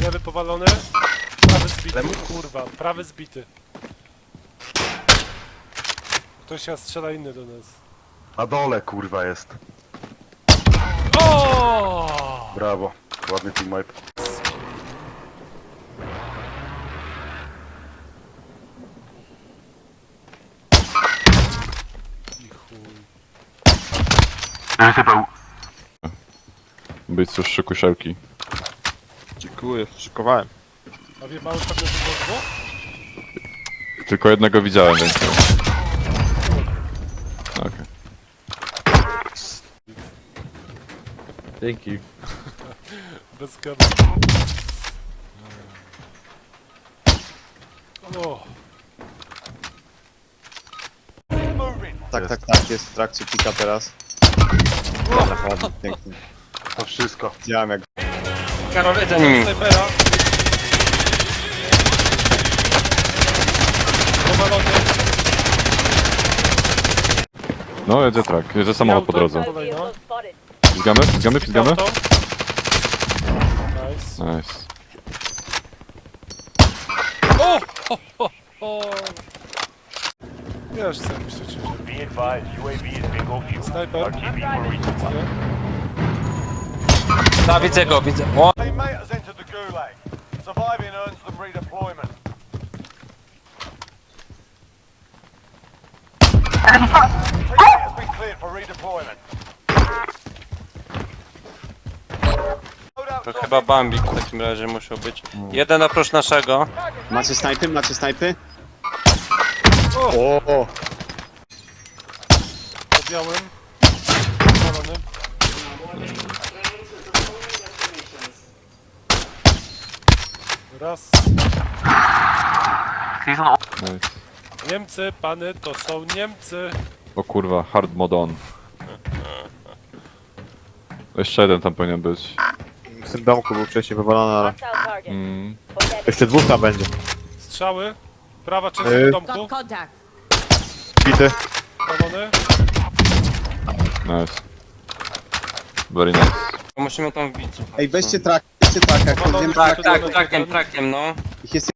Lewy powalony. Prawy zbity, kurwa, prawy zbity. Ktoś się strzela inny do nas. Na dole kurwa jest. O! Brawo. Ładny teamwipe. I chuj. Być cóż, szykuj szelki. Dziękuję, szykowałem. A wie mały pewnie, że było dwóch? Tylko jednego widziałem, więc... Okej. Dzięki. Bez gamy. O! Tak, jest w trakcie pika teraz. Dobra, ładnie, pięknie. To wszystko. Widziałem jak... Karol, za nimi. Snajpera. Powalony. No, jedzie trak. Jedzie samochód po drodze. Kolejno. Pizgamy? Pizgamy? Pizgamy? Auto. Nice. Nice. O! Ho, ho, ho. Wiesz co myśleć, że... Be advised, UAV is bingo fuel. Snajper. RTV for reach. Da, widzę go, widzę. O! Teammate has entered the gulag. Surviving earns them redeployment. Teammate has been cleared for redeployment. To chyba Bambik w takim razie musiał być. Jeden oprócz naszego. Macie snajpy? Macie snajpy? O! O! Po białym. Powalony. Raz. Nice. Niemcy, pany, to są Niemcy. O kurwa, hard mod on. Jeszcze jeden tam powinien być. W tym domku był wcześniej wywalony, ale... Mm. Jeszcze dwóch tam będzie. Strzały. Prawa część domku. Got contact. Bity. Powalony. Nice. Very nice. Musimy tam wbić. Ej, weźcie trak, jak to wiem, Tak, tak, trakiem, no. ich jest...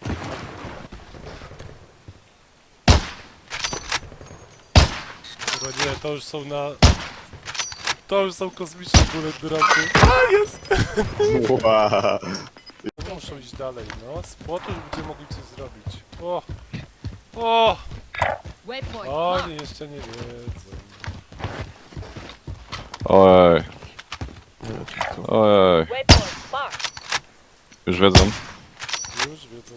Chyba nie, to już są na... To już są kosmiczne bullet dropy. A, jest! Ła. Muszą iść dalej, no. Z płotu będziemy mogli coś zrobić. O! O! Waypoint. Oni jeszcze nie wiedzą. Ojej. Ojej. Waypoint marked. Już wiedzą. Już wiedzą.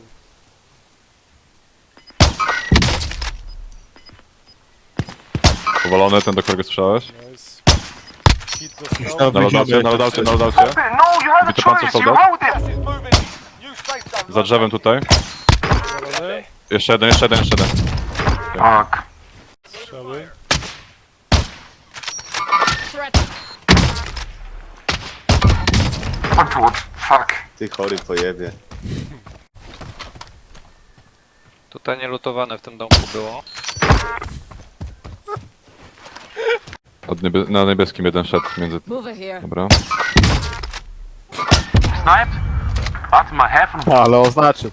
Powalony ten, do którego strzelałeś? Nice. Hit dostał. Na loadoucie, na loadoucie, na loadoucie. Bity pancer soldat. Gas is moving in. New safe zone. Za drzewem tutaj. Powalony. Jeszcze jeden, jeszcze jeden, jeszcze jeden. Strzały. Threat. Ty chory pojebie. Tutaj nie lutowane w tym domku było. Na niebieskim jeden szedł między... Move it here. Dobra. Ale oznaczył.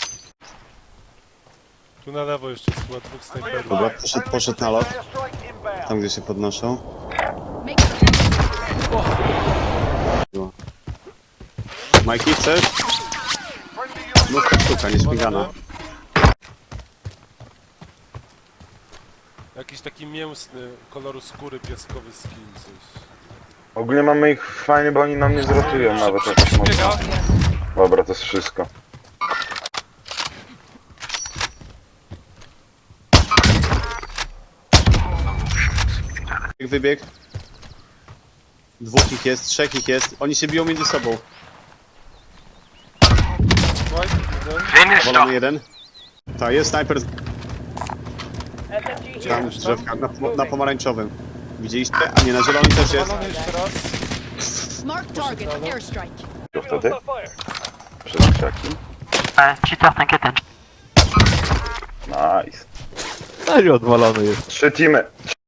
Tu na lewo jeszcze jest chyba dwóch snajperów. Dobra, poszedł na lot. Airstrike inbound. Tam gdzie się podnoszą. Make Majki, chcesz? Mówka sztuka, nie śmigana. Jakiś taki mięsny, koloru skóry pieskowy skin, coś. Ogólnie mamy ich fajnie, bo oni nam nie zrotują nawet jakoś mocno. Biega. Dobra, to jest wszystko. Wybieg. Dwóch ich jest, trzech ich jest. Oni się biją między sobą. White, jeden. Wolony jeden. Tak, jest snajper Gdzie tam z jest tam? drzewka, na pomarańczowym. Widzieliście? A nie, na zielonym też jest. Powalony jeszcze raz. Mark target. Airstrike. To wtedy? Przez krzaki. Nice. Serio odwalony jest. 3 teamy.